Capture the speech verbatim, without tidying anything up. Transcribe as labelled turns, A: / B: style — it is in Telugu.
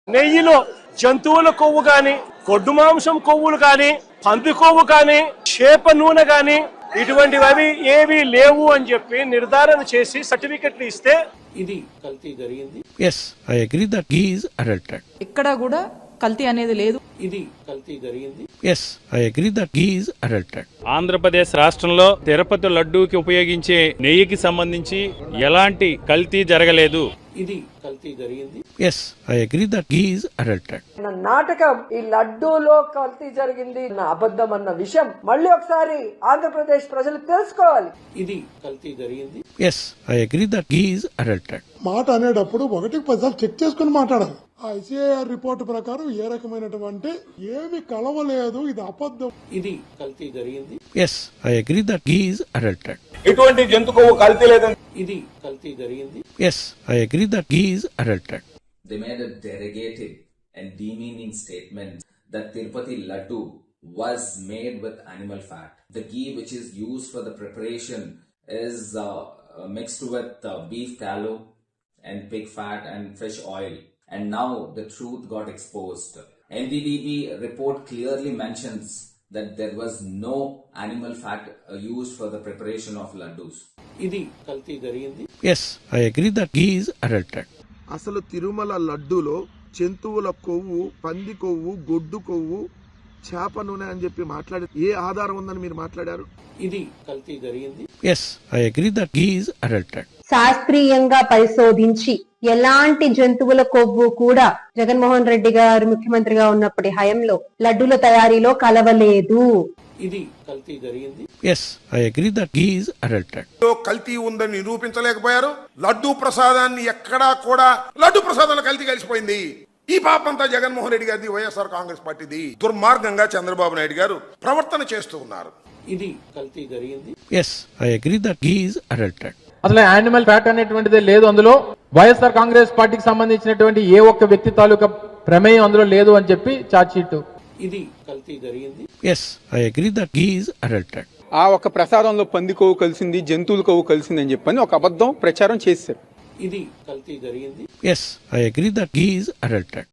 A: నెయ్యిలో జంతువుల కొవ్వు గాని, గొడ్డు మాంసం కొవ్వులు గాని, పంది కొవ్వు గాని, చేప నూనె గాని ఇటువంటివి ఏవి లేవు అని చెప్పి నిర్ధారణ చేసి సర్టిఫికెట్లు ఇస్తే
B: ఇది కల్తీ జరిగింది.
C: Yes, I agree that ghee is adulterated.
D: ఇక్కడ కూడా కల్తీ అనేది లేదు.
B: ఇది కల్తీ జరిగింది.
C: Yes, I agree that ghee is adulterated.
E: Andhra Pradesh రాష్ట్రంలో తిరుపతి లడ్డూకి ఉపయోగించే నెయ్యికి సంబంధించి ఎలాంటి కల్తీ జరగలేదు.
B: ఇది కల్తీ జరిగింది.
C: Yes, I agree that ghee is adulterated.
F: నాటకం ఈ లడ్డూలో కల్తీ జరిగింది నా అబద్ధం అన్న విషయం మళ్ళీ ఒకసారి ఆంధ్రప్రదేశ్ ప్రజలు తెలుసుకోవాలి.
B: ఇది కల్తీ జరిగింది.
C: Yes, I agree that ghee is adulterated.
G: మాట అనేటప్పుడు ఒకటికి పదిసార్లు చెక్ చేసుకుని మాట్లాడాలి. ఆ ఐసీఐఆర్ రిపోర్ట్ ప్రకారం ఏ రకమైనటువంటి ఏమి కలవలేదు, ఇది అబద్ధం.
B: ఇది కల్తీ జరిగింది.
C: Yes, I agree that ghee is adulterated.
A: ఎటువంటి జంతు కొవ్వు కల్తీ లేదని
B: ఇది కల్తీ జరిగింది.
C: Yes, I agree that ghee is adulterated.
H: They made a derogative and demeaning statement that Tirupati Laddu was made with animal fat. The ghee which is used for the preparation is uh, mixed with uh, beef tallow and pig fat and fish oil. And now the truth got exposed. N D D B report clearly mentions that there was no animal fat uh, used for the preparation of laddus.
B: ఇది కల్తీ జరిగింది.
C: Yes, I agree that ghee is adulterated.
I: అసలు తిరుమల లడ్డూలో జంతువుల కొవ్వు, పంది కొవ్వు, గొడ్డు కొవ్వు, చేప నూనె అని చెప్పి మాట్లాడి ఏ ఆధారం ఉందని మీరు మాట్లాడారు?
B: ఇది కల్తీ జరిగింది.
C: Yes, I agree that ghee is adulterated.
J: శాస్త్రీయంగా పరిశోధించి ఎలాంటి జంతువుల కొవ్వు కూడా జగన్మోహన్ రెడ్డి గారు ముఖ్యమంత్రిగా ఉన్నప్పటి హయంలో లడ్డూల తయారీలో కలవలేదు.
B: ఇది కల్తీ జరిగింది.
C: Yes, I agree that ghee is adulterated.
K: కల్తీ ఉందని నిరూపించలేకపోయారు. లడ్డూ ప్రసాదాన్ని ఎక్కడా కూడా లడ్డూ ప్రసాదంలో కల్తీ కలిసిపోయింది. ఈ పాపంతా జగన్మోహన్ రెడ్డి గారిది, వైఎస్ఆర్ కాంగ్రెస్ పార్టీది. దుర్మార్గంగా చంద్రబాబు నాయుడు గారు ప్రవర్తన చేస్తూ ఉన్నారు.
B: ఇది కల్తీ జరిగింది.
C: Yes, I agree that ghee is adulterated.
L: అసలు యానిమల్ ఫ్యాట్ అనేటువంటిది లేదు అందులో. వైఎస్ఆర్ కాంగ్రెస్ పార్టీకి సంబంధించినటువంటి ఏ ఒక్క వ్యక్తి తాలూకా ప్రమేయం అందులో లేదు అని చెప్పి ఛార్జ్ షీట్.
B: ఇది కల్తీ జరిగింది.
C: Yes, I agree that ghee is adulterated.
M: ఆ ఒక ప్రసాదంలో పంది కొవ్వు కలిసింది, జంతువుల కొవ్వు కలిసింది అని చెప్పని ఒక అబద్ధం ప్రచారం చేశారు.
B: ఇది కల్తీ జరిగింది.
C: Yes, I agree that ghee is adulterated.